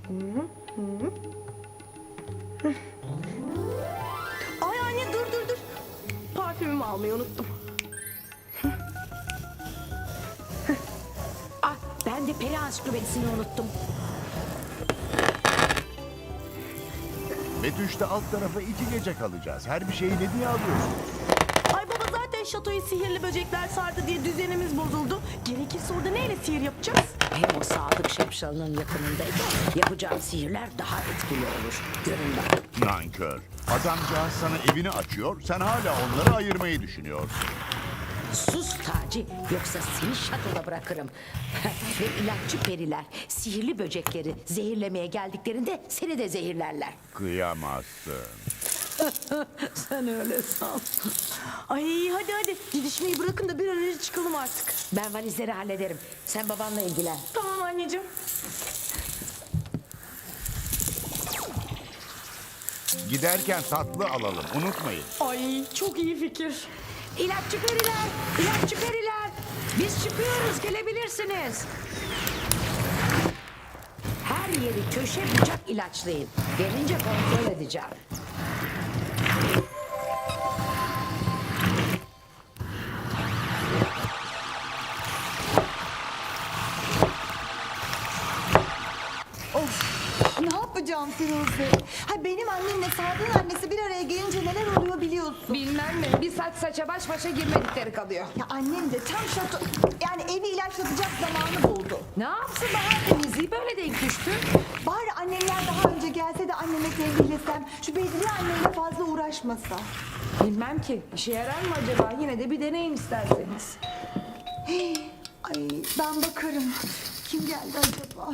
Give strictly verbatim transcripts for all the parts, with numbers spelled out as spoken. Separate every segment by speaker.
Speaker 1: Ay anne dur dur dur. Parfümümü almayı unuttum.
Speaker 2: Ah, ben de peri ansiklopedisini unuttum.
Speaker 3: Betüş'te alt tarafa iki gece kalacağız. Her bir şeyi ne diye alıyorsun?
Speaker 1: Ay baba zaten şatoyu sihirli böcekler sardı diye düzenimiz bozuldu. Gerekirse orada neyle sihir yapacağız?
Speaker 2: Hem o Sadık Şapşalı'nın yakınındayken yapacağım sihirler daha etkili olur. Görün bak.
Speaker 3: Nankör. Adamcağız sana evini açıyor, sen hala onları ayırmayı düşünüyorsun.
Speaker 2: Sus Taci, yoksa seni şatoda bırakırım. Ve ilaççı periler sihirli böcekleri zehirlemeye geldiklerinde seni de zehirlerler.
Speaker 3: Kıyamazsın.
Speaker 2: Sen öyle san.
Speaker 1: Ay hadi hadi didişmeyi bırakın da bir an önce çıkalım artık.
Speaker 2: Ben valizleri hallederim. Sen babanla ilgilen.
Speaker 1: Tamam anneciğim.
Speaker 3: Giderken tatlı alalım, unutmayın.
Speaker 1: Ay çok iyi fikir.
Speaker 2: İlaççı periler, ilaççı periler. Biz çıkıyoruz, gelebilirsiniz. Her yeri köşe bucak ilaçlayın. Gelince kontrol edeceğim.
Speaker 4: Ne yapacağım Firuze? Ha benim annemle Sadık'ın annesi bir araya gelince neler oluyor biliyorsun.
Speaker 5: Bilmem mi? Bir saç saça baş başa girmedikleri kalıyor.
Speaker 4: Ya annem de tam şato... Yani evi ilaçlatacak zamanı buldu.
Speaker 5: Ne yapsın daha temizliği böyle denk düştü.
Speaker 4: Bari annemler daha önce gelse de anneme sevgilesem... Şu Bedriye anneyle fazla uğraşmasa.
Speaker 5: Bilmem ki. İşe yarar mı acaba? Yine de bir deneyin isterseniz.
Speaker 4: Ay ben bakarım. Kim geldi acaba?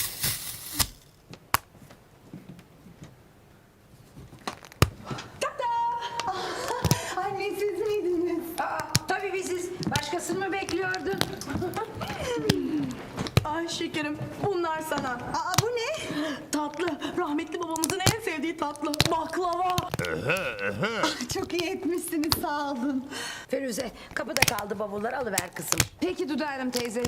Speaker 4: Ah, anne siz miydiniz?
Speaker 2: Aa, tabii biziz. Başkasını mı bekliyordun?
Speaker 1: Ay şekerim bunlar sana.
Speaker 4: Aa bu ne?
Speaker 1: Tatlı. Rahmetli babamızın en sevdiği tatlı. Baklava.
Speaker 4: Çok iyi etmişsiniz sağ olun.
Speaker 2: Firuze, kapıda kaldı bavullar, alıver kızım.
Speaker 5: Peki Dudu Hanım teyze.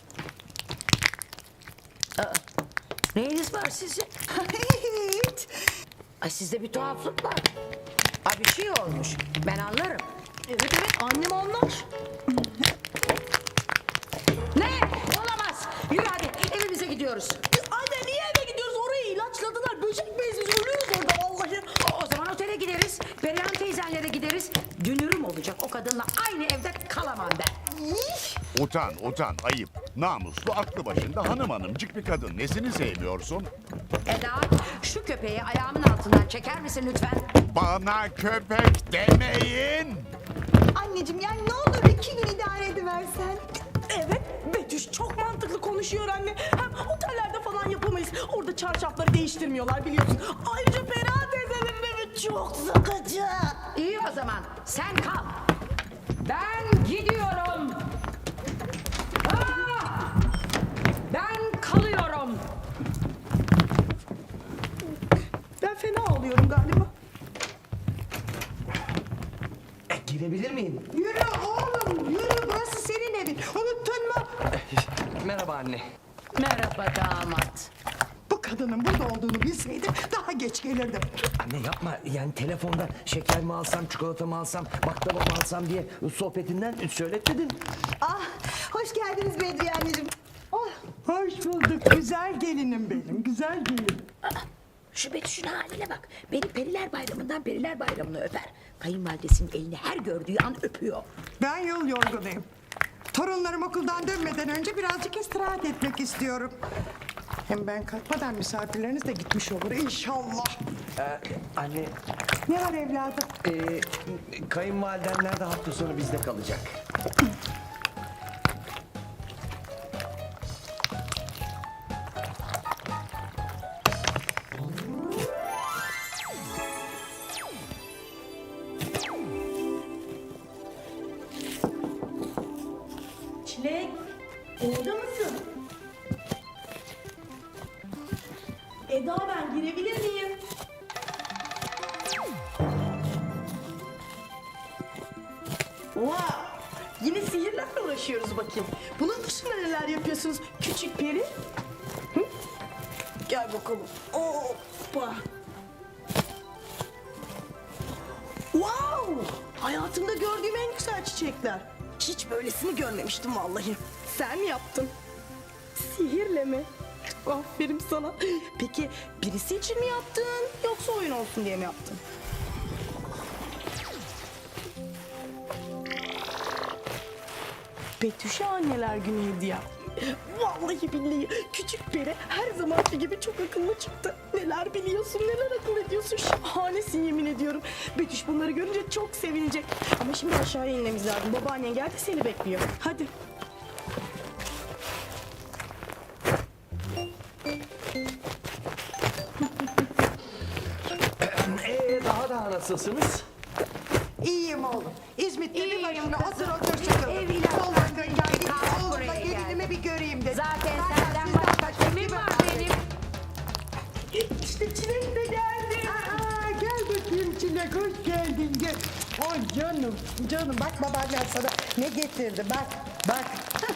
Speaker 2: Neyiniz var sizin?
Speaker 4: Hiç.
Speaker 2: Ay sizde bir tuhaflık var. Ay bir şey olmuş. Ben anlarım.
Speaker 1: Evet evet annem anlar.
Speaker 2: Ne? Olamaz. Yürü hadi evimize gidiyoruz.
Speaker 1: Anne niye eve gidiyoruz? Orayı ilaçladılar. Böcek beyiz biz ölüyoruz orada vallahi.
Speaker 2: O, o zaman otele gideriz. Perihan teyzenlere gideriz. Dünürüm olacak o kadınla aynı evde kalamam ben.
Speaker 3: Utan, utan, ayıp. Namuslu, aklı başında hanım hanımcık bir kadın. Nesini sevmiyorsun?
Speaker 2: Eda, şu köpeği ayağımın altından çeker misin lütfen?
Speaker 3: Bana köpek demeyin.
Speaker 4: Anneciğim yani ne olur iki gün idare ediversen.
Speaker 1: Evet Betüş çok mantıklı konuşuyor anne. Hem otellerde falan yapamayız. Orada çarşafları değiştirmiyorlar biliyorsun. Ayrıca Perihan teyzelerin evi çok sıkıcı.
Speaker 2: İyi o zaman sen kal. Ben gidiyorum. Aa! Ben kalıyorum.
Speaker 1: Ben fena oluyorum galiba.
Speaker 6: E, girebilir miyim?
Speaker 4: Yürü oğlum yürü burası senin evin unuttun mu?
Speaker 6: Merhaba anne.
Speaker 2: Merhaba damat.
Speaker 7: Bu kadının burada olduğunu bilseydim daha geç gelirdim.
Speaker 6: Anne yapma. Yani telefonda şeker mi alsam, çikolata mı alsam, baklava mı alsam diye sohbetinden söyletmedin.
Speaker 4: Ah hoş geldiniz Bedriye anneciğim. Oh.
Speaker 7: Hoş bulduk güzel gelinim benim güzel gelin.
Speaker 2: Şu Betüş'ün haline bak. Beni Periler Bayramı'ndan Periler Bayramı'na öper. Kayınvalidesinin elini her gördüğü an öpüyor.
Speaker 7: Ben yol yorgunuyum. Torunlarım okuldan dönmeden önce birazcık istirahat etmek istiyorum. Hem ben kalkmadan misafirleriniz de gitmiş olur inşallah.
Speaker 6: Ee, anne,
Speaker 7: Ne var evladım?
Speaker 6: e, kayınvalidenler de hafta sonu bizde kalacak.
Speaker 1: Çilek orada mısın? Eda ben girebilir miyim? Oha! Yine sihirlerle uğraşıyoruz bakayım. Bunun dışında neler yapıyorsunuz küçük peri? Hı? Gel Ver bakalım. Hoppa. Wow! Hayatımda gördüğüm en güzel çiçekler. Hiç böylesini görmemiştim vallahi. Sen mi yaptın? Sihirle mi? Aferin sana. Peki birisi için mi yaptın yoksa oyun olsun diye mi yaptın? Betüş'e anneler günü hediye. Vallahi billahi küçük peri her zamanki gibi çok akıllı çıktı. Neler biliyorsun, neler akıl ediyorsun. Şahanesin yemin ediyorum. Betüş bunları görünce çok sevinecek. Ama şimdi aşağıya inmemiz lazım. Babaannen geldi seni bekliyor. Hadi.
Speaker 6: Ee, daha da nasılsınız?
Speaker 7: İyiyim oğlum. İzmit'te bir
Speaker 2: İyiyim
Speaker 7: başına
Speaker 2: kızım.
Speaker 7: otur otur sıkıldım.
Speaker 2: Ev ilahi
Speaker 7: Oğlum
Speaker 2: yaptın,
Speaker 7: geldim.
Speaker 2: gel kalk
Speaker 7: Oğlumla
Speaker 2: buraya gel.
Speaker 7: gelinimi bir göreyim dedim.
Speaker 2: Zaten
Speaker 7: Zaten
Speaker 2: senden
Speaker 7: sizden
Speaker 2: başka kimim var benim?
Speaker 1: İşte Çilek de geldi.
Speaker 7: Aa, gel bakayım Çilek, hoş geldin gel. Ay canım, canım bak babaannen sana ne getirdi bak, bak.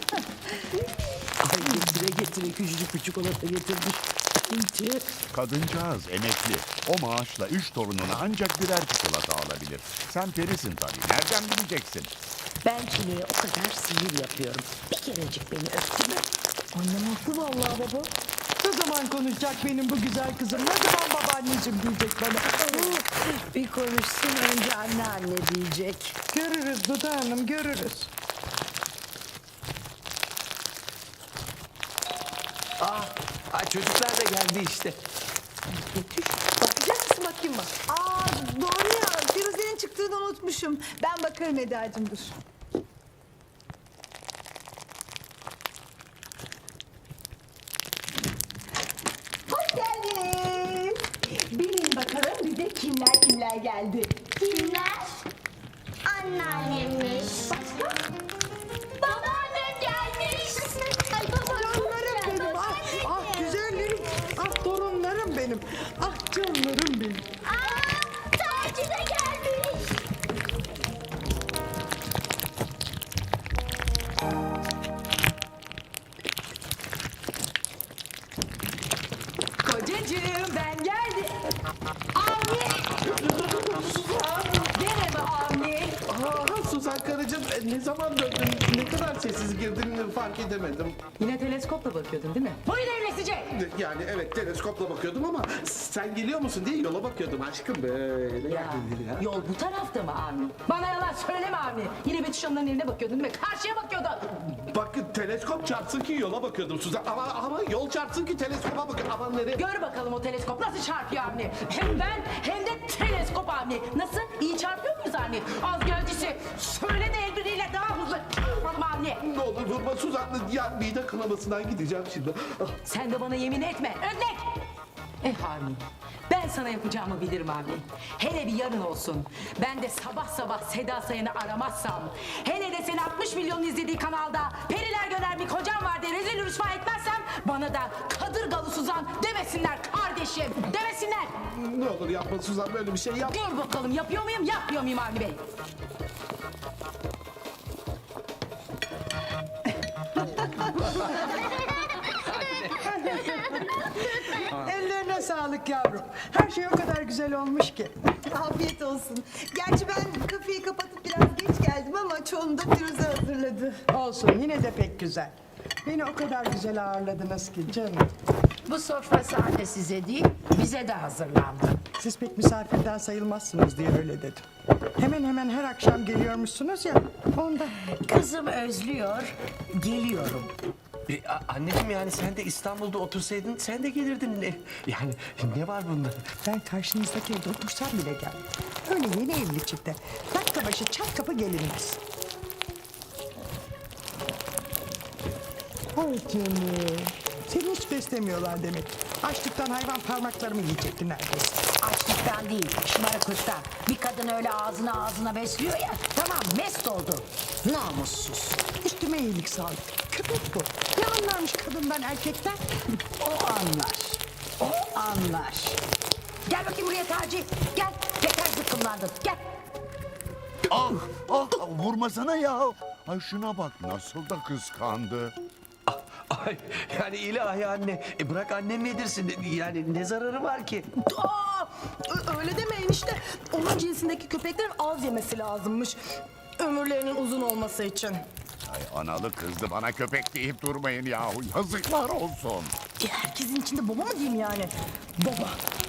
Speaker 6: Ay getire getire küçücük bir çikolata getirmiş.
Speaker 3: Kadıncağız emekli. O maaşla üç torununa ancak birer çikolata alabilir. Sen perisin tabii. Nereden bileceksin?
Speaker 2: Ben Çile'ye o kadar sihir yapıyorum. Bir kerecik beni öptü mü?
Speaker 1: Annem haklı vallahi baba.
Speaker 7: Ne zaman konuşacak benim bu güzel kızım, ne zaman babaanneciğim diyecek bana.
Speaker 2: Bir konuşsun önce anneanne diyecek.
Speaker 7: Görürüz Duda Hanım, görürüz.
Speaker 6: Ah, ay çocuklar da geldi işte.
Speaker 1: Betüş bakacak mısın bakayım bak.
Speaker 4: Aa doğru ya. Firuze'nin çıktığını unutmuşum. Ben bakarım Eda'cığım dur. Hoş geldiniz. Bilin bakalım bize kimler kimler geldi.
Speaker 8: Kimler? Anneannemmiş. Başka? Babaannem gelmiş. Ay
Speaker 7: Torunlarım benim,
Speaker 8: babaannem.
Speaker 7: ah, ah güzellerim, ah torunlarım benim, ah canlarım benim.
Speaker 8: Aa, Taci de gelmiş.
Speaker 2: Kocacığım ben geldim. Avni! Gene mi Avni?
Speaker 9: Aa, Suzan karıcığım e, ne zaman döndün? Ne kadar sessiz girdin fark edemedim.
Speaker 5: Yine teleskopla bakıyordun değil mi?
Speaker 2: Boyun evlesici!
Speaker 9: Yani evet teleskopla bakıyordum ama sen geliyor musun diye yola bakıyordum aşkım böyle.
Speaker 2: Ya, yol bu tarafta mı Avni? Bana yalan söyleme Avni. Yine Betüş Hanım'ların evine bakıyordun değil mi? Karşıya bakıyordun.
Speaker 9: Bak teleskop çarpsın ki yola bakıyordum Suzan ama ama yol çarpsın ki teleskopa bakıyorum. Aman nereye?
Speaker 2: Gör bakalım o teleskop nasıl çarpıyor Avni. Hem ben hem de teleskop Avni. Nasıl? İyi çarpıyor muyuz Avni? Az gelcisi. Söyle de el birliğiyle daha hızlı çarpalım Avni.
Speaker 9: Ne olur durma Suzan ya mide kanamasından gideceğim şimdi. Ah,
Speaker 2: Sen de bana yemin etme. Örnek. Eh Avni. Ben sana yapacağımı bilirim Avni. Hele bir yarın olsun. Ben de sabah sabah Seda Sayan'ı aramazsam. Hele de seni altmış milyon izlediği kanalda Periler Göner bir kocam var diye rezil rüsva etmezsem bana da Kadırgalı Suzan demesinler kardeşim. Demesinler.
Speaker 9: ne olur yapma Suzan böyle bir şey yap.
Speaker 2: Dur bakalım yapıyor muyum yapmıyor muyum Avni Bey?
Speaker 7: Ellerine sağlık yavrum. Her şey o kadar güzel olmuş ki.
Speaker 4: Afiyet olsun. Gerçi ben kafeyi kapatıp biraz geç geldim ama çoğunu da Firuze hazırladı.
Speaker 7: Olsun, yine de pek güzel. Beni o kadar güzel ağırladınız ki canım.
Speaker 2: Bu sofra sadece size değil bize de hazırlandı.
Speaker 7: Siz pek misafirden sayılmazsınız diye öyle dedim. Hemen hemen her akşam geliyormuşsunuz ya, ondan.
Speaker 2: Kızım özlüyor, geliyorum.
Speaker 6: E, a- anneciğim yani sen de İstanbul'da otursaydın sen de gelirdin. E, yani ne var bunda?
Speaker 7: Ben karşınızdaki evde otursam bile geldim. Öyle yeni evli çifte. Dakika başı çat kapı gelinmez. Ay canım. Seni hiç beslemiyorlar demek. Açlıktan hayvan parmaklarımı yiyecekti neredeyse.
Speaker 2: Açlıktan değil, şımarıklıktan. Bir kadın öyle ağzına ağzına besliyor ya, tamam mest oldu. Namussuz.
Speaker 7: Üstüme iyilik sağlık. Köpek bu. Ne anlarmış kadından erkekten?
Speaker 2: O anlar, o anlar. Gel bakayım buraya Taci, gel. Yeter zıkkımlandın, gel.
Speaker 3: Ah, ah, vurmasana ya. Ay şuna bak nasıl da kıskandı.
Speaker 6: Ah, Ay, yani ilahi anne. E bırak annem yedirsin. Yani ne zararı var ki?
Speaker 1: Aa, ö- öyle demeyin işte. Onun cinsindeki köpeklerin az yemesi lazımmış. Ömürlerinin uzun olması için.
Speaker 3: Ay analı kızdı bana köpek deyip durmayın yahu. Yazıklar olsun.
Speaker 1: E, herkesin içinde baba mı diyeyim yani? Baba.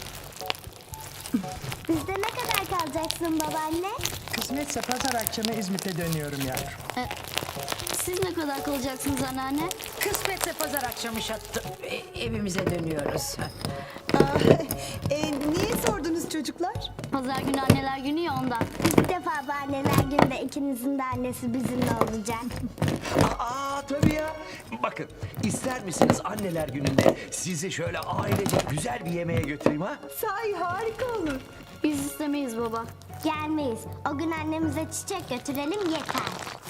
Speaker 8: Bizde ne kadar kalacaksın babaanne?
Speaker 7: Kısmetse pazar akşamı İzmit'e dönüyorum yavrum.
Speaker 8: Ee, siz ne kadar kalacaksınız anneanne?
Speaker 2: Kısmetse pazar akşamı şattı. E, evimize dönüyoruz.
Speaker 4: Aa, e, niye sordunuz çocuklar?
Speaker 8: Pazar günü anneler günü ya ondan.
Speaker 10: İlk defa bu anneler günde ikinizin de annesi bizimle olacak.
Speaker 6: Aa tabii ya. Bakın ister misiniz anneler gününde sizi şöyle ailece güzel bir yemeğe götüreyim ha?
Speaker 4: Sahi harika olur.
Speaker 8: Biz istemeyiz baba.
Speaker 10: Gelmeyiz. O gün annemize çiçek götürelim yeter.